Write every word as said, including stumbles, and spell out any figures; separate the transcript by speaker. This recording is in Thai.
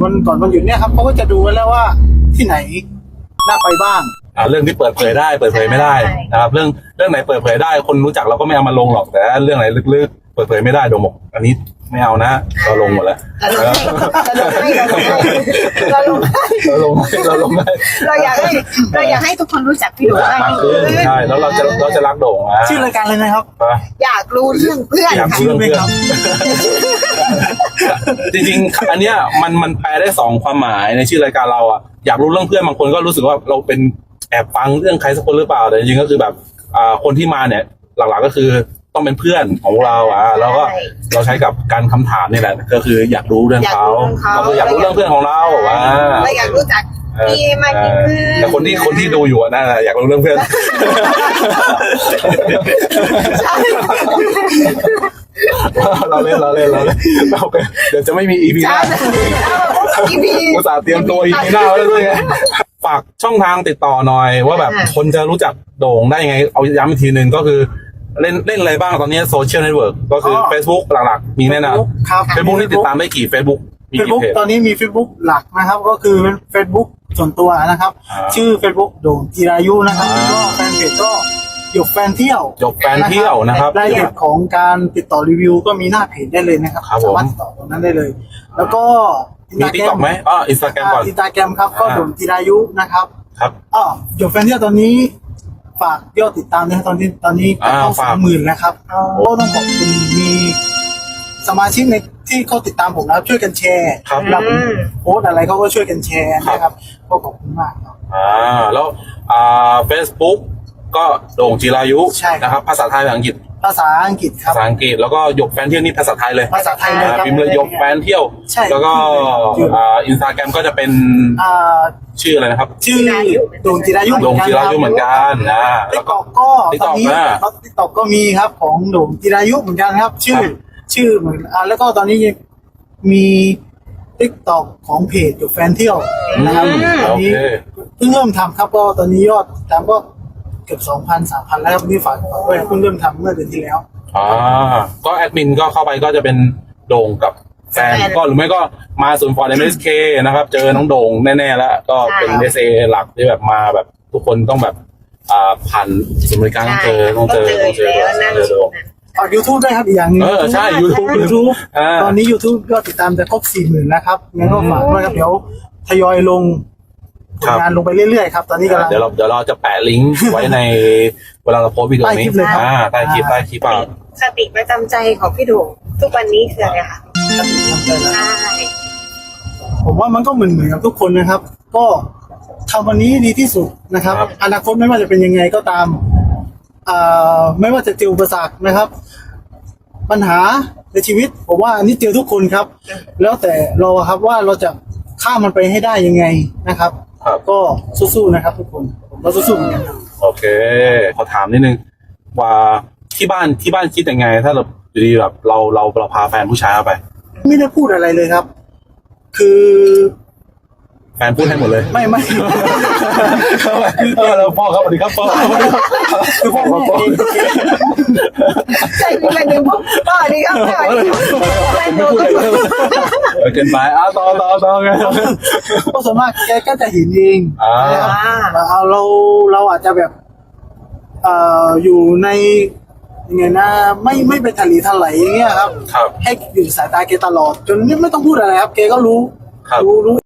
Speaker 1: วันก่อนวันหยุดเนี่ยครับเขาก็จะดูไว้แล้วว่าที่ไหนน่าไปบ้าง
Speaker 2: อ่าเรื่องที่เปิดเผยได้เปิดเผยไม่ได้นะครับเรื่องเรื่องไหนเปิดเผยได้คนรู้จักเราก็ไม่เอามาลงหรอกแต่เรื่องไหนลึกๆเปิดเผยไม่ได้โดมบอกอันนี้ไม่เอานะเราลงหมดแล้ว
Speaker 3: เราลงให้เราลงให้
Speaker 2: เราลงให้เราลงให้
Speaker 3: เราอยากให้เราอยากให้ทุกคนรู้จักพี่โด่งมากขึ้น
Speaker 2: ใช่แล้วเราจะเราจะรักโด่งนะ
Speaker 1: ชื่อรายการเลยนะครับ
Speaker 3: อยากรู้เรื่องเพื่อน
Speaker 2: อยากรู้เรื่องเพื่อนจริงๆอันเนี้ยมันมันแปลได้สองความหมายในชื่อรายการเราอ่ะอยากรู้เรื่องเพื่อนบางคนก็รู้สึกว่าเราเป็นแอบฟังเรื่องใครสักคนหรือเปล่าแต่จริงๆก็คือแบบอ่าคนที่มาเนี่ยหลักๆก็คือต้องเป็นเพื่อนของเราอ่ะแล้วก็เราใช้กับการคำถามนี่แหละก็คืออยากรู้เรื่องเขาก็คืออยากรู้เรื่องเพื่อนของเราอ่ะ
Speaker 3: เราอยากรู้จักพี่มากขึ้น
Speaker 2: แต่คนที่คนที่ดูอยู่น่าอยากรู้เรื่องเพื่อนเราเล่นเราเล่นเราเล่นเราเดี๋ยวจะไม่มีอีพีหน้าอุตส่าห์เตรียมตัวอีพีหน้าไว้แล้วด้วยไงฝากช่องทางติดต่อหน่อยว่าแบบคนจะรู้จักโด่งได้ยังไงเอาย้ำอีกทีหนึ่งก็คือเล่นเล่นอะไรบ้างตอนนี้โซเชียลเน็ตเวิร์กก็คือ Facebook หลักๆมีแน่นอน
Speaker 1: ครับ
Speaker 2: Facebook ที่ติดตามได้กี่ Facebook มีกี่
Speaker 1: Facebook
Speaker 2: เพจ
Speaker 1: ตอนนี้มี Facebook หลักนะครับก็คือเป็น Facebook ส่วนตัวนะครับชื่อ Facebook โด่งจิรายุนะครับแล้วก็แฟนเพจก็หยกแฟนเที่ยว
Speaker 2: หยกแฟนเที่ยวนะครับ
Speaker 1: รายละเอียดของการติดต่อรีวิวก็มีหน้าเพจได้เลยนะครับสามารถติดต่อตรงนั้นได้เลยแล้วก็
Speaker 2: มีติ๊กต็อกไหมอ๋ออินสตาแกรมก่อน
Speaker 1: อินสตาแกรมครับก็โด่งจิรายุนะครับ
Speaker 2: ครับ
Speaker 1: อ๋อหยกแฟนเที่ยวตอนนี้ฝากยอดติดตามนะตอนนี้ตอนนี้เข้าสามหมื่นแล้วครับก็ต้องขอบคุณมีสมาชิกในที่เขาติดตามผมแล้วช่วยกันแชร์เราโพสอะไรเขาก็ช่วยกันแชร์นะครับก็ขอบคุณมากครับ
Speaker 2: อ่าแล้วอ่า Facebook ก็โด่งจิรายุนะครับภาษาไทยภาษาอังกฤษ
Speaker 1: ภาษาอังกฤษครับ
Speaker 2: ภาษาอังกฤษแล้วก็หยกแฟนเที่ยวนี่ภาษาไทยเลย
Speaker 1: ภาษาไทยเลยครับ
Speaker 2: พิมพ์เลยหยกแฟนเที่ยวแล้วก็อ่าอินสตาแกรมก็จะเป็น
Speaker 1: อ่า
Speaker 2: ชื่ออะไรนะครับ
Speaker 1: ชื่อโด่งจิรายุ
Speaker 2: โด่งจิรายุเหมือนกันนะ
Speaker 1: ติ๊กต็อกก็ตอนนี้ติ๊กต็อกก็มีครับของโด่งจิรายุเหมือนกันครับชื่อชื่อเหมือนอ่าแล้วก็ตอนนี้มีติ๊กต็อกของเพจอยู่แฟนเที่ยวนะครับตอนนี้เพิ่งเริ่มทำครับก็ตอนนี้ยอดตามก็เกือบสองพันสามพันแล้วครับนี่ฝากฝากไว้เพิ่งเริ่มทำเมื่อเดือนที่แล้ว
Speaker 2: อ่าก็แอดมินก็เข้าไปก็จะเป็นโด่งกับแฟนก็หรือไม่ก็มาศูนย์ฟอร์ด เอ็ม เอส เค นะครับเจอน้องโด่งแน่ๆแล้วก็เป็น เอส เอ หลักที่แบบมาแบบทุกคนต้องแบบอ่าผ่านศูนย์บริการต้องเจอต้องเจอต้องเจอต้องเจอโด่ง
Speaker 1: ฝาก YouTube ด้วยครับอีกอย่างนึง
Speaker 2: เออใช่ YouTube
Speaker 1: YouTube ตอนนี้ YouTube ก็ติดตามจะครบ สี่หมื่น แล้วครับงั้นก็ฝากด้วยครับเดี๋ยวทยอยลงงานลงไปเรื่อยๆครับตอนนี้กำลัง
Speaker 2: เดี๋ยวเราเดี๋ยวเราจะแปะลิงก์ไว้ในเวลาเราโพสต์วิดีโอนี้อ่าใต้คลิปใต้คลิปอ่ะ
Speaker 3: สติประจำใจของพี่โด่งทุกวันนี้คืออะไรคะใช่
Speaker 1: ผมว่ามันก็เหมือนเหมือนกับทุกคนนะครับก็ทำวันนี้ดีที่สุดนะครับอนาคตไม่ว่าจะเป็นยังไงก็ตามอ่าไม่ว่าจะเจออุปสรรคนะครับปัญหาในชีวิตผมว่าอันนี้เจอทุกคนครับแล้วแต่เราครับว่าเราจะข้ามมันไปให้ได้ยังไงนะครับก็สู้ๆนะครับทุกคนผมก็สู้ๆเหมือนกันครับ
Speaker 2: โอเคขอถามนิดนึงว่าที่บ้านที่บ้านคิดยังไงถ้าเราอยู่ดีแบบเราเราเราพาแฟนผู้ชายเข้าไป
Speaker 1: ไม่ได้พูดอะไรเลยครับคือ
Speaker 2: แฟนพูดให้หมดเลย
Speaker 1: ไม่ไม่
Speaker 2: คือเราพ่อครับสวัสดีครับพ่อคือพ่อพ่อ
Speaker 3: ใช่คืออะไรเนี่ยพ่อพ่อนี่ครับพ่อแฟนโด่งก็
Speaker 2: เกินไปอ่ะต่อต่อต่อไง
Speaker 1: ก็ส่วนมากแกก็จะเห็นเองนะครับเราเราอาจจะแบบเอ่ออยู่ในยังไงนะไม่ไม่ไปทะเลทลายอย่างเงี้ยครับให้อยู่สายตาแกตลอดจนไม่ต้องพูดอะไรครับแกก็รู้รู้รู้